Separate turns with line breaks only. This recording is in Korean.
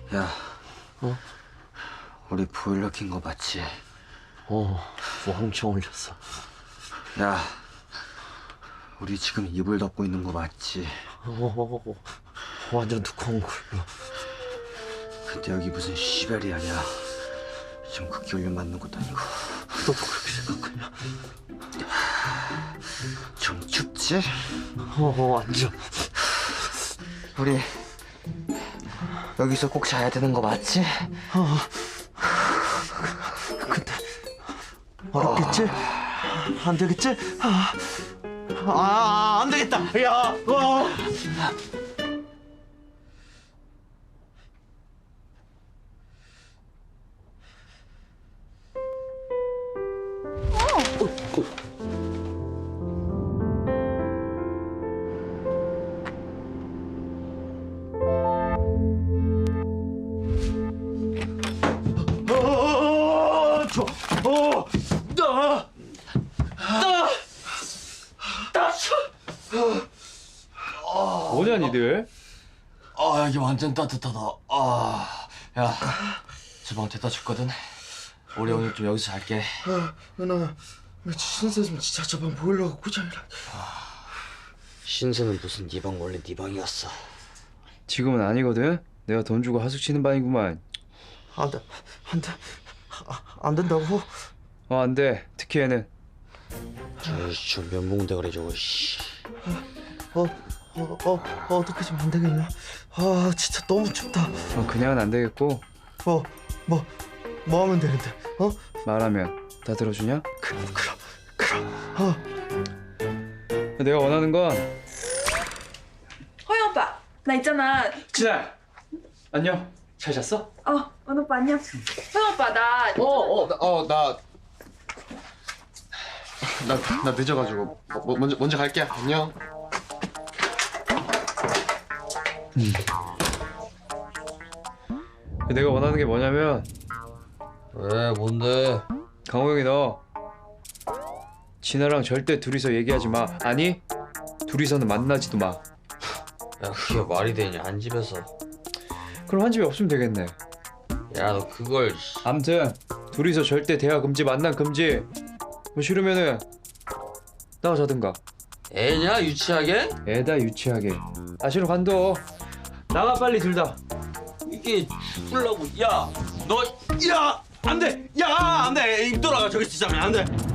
야, 우리 보일러 킨 거 맞지?
뭐 엄청 올렸어.
야, 우리 지금 이불 덮고 있는 거 맞지?
완전 두꺼운 걸로.
근데 여기 무슨 시베리 아니야? 지금 극기훈련 맞는 것도 아니고.
너도 그렇게 생각하냐?
좀 춥지?
완전.
우리 여기서 꼭 자야 되는 거 맞지?
근데 어렵겠지? 안 되겠지? 안 되겠다. 야,
뭐냐 니들?
여기 완전 따뜻하다. 야, 저 방 데려다 줬거든. 우리 오늘 좀 여기서 잘게.
나 신세는 진짜 저방 보일러가 고장이라.
신세는 무슨 네 방 원래 네 방이었어.
지금은 아니거든. 내가 돈 주고 하숙 치는 방이구만.
안 된다고?
안 돼. 특히 얘는.
저 면봉대가리 저거 씨.
어떻게 좀 안 되겠냐? 진짜 너무 춥다.
그냥은 안 되겠고
뭐 하면 되는데?
말하면 다 들어주냐?
그럼.
내가 원하는 건
허영 오빠, 나 있잖아.
진아. 안녕. 잘 잤어?
원 오빠 안녕. 허영 오빠 나.
나 늦어가지고 먼저 갈게. 안녕.
내가 원하는 게 뭐냐면
왜? 뭔데?
강호 형이 너 진아랑 절대 둘이서 얘기하지 마. 아니 둘이서는 만나지도 마.
야, 그게 말이 되냐? 한 집에서.
그럼 한 집에 없으면 되겠네.
야, 너 그걸.
암튼 둘이서 절대 대화 금지, 만남 금지. 뭐 싫으면은 나가 자든가.
애냐? 유치하게?
애다 유치하게. 싫어 간도. 나가 빨리 둘 다.
이게 죽으려고. 야, 너. 야! 안 돼! 야! 안 돼! 입 돌아가. 저기 진짜 안 돼.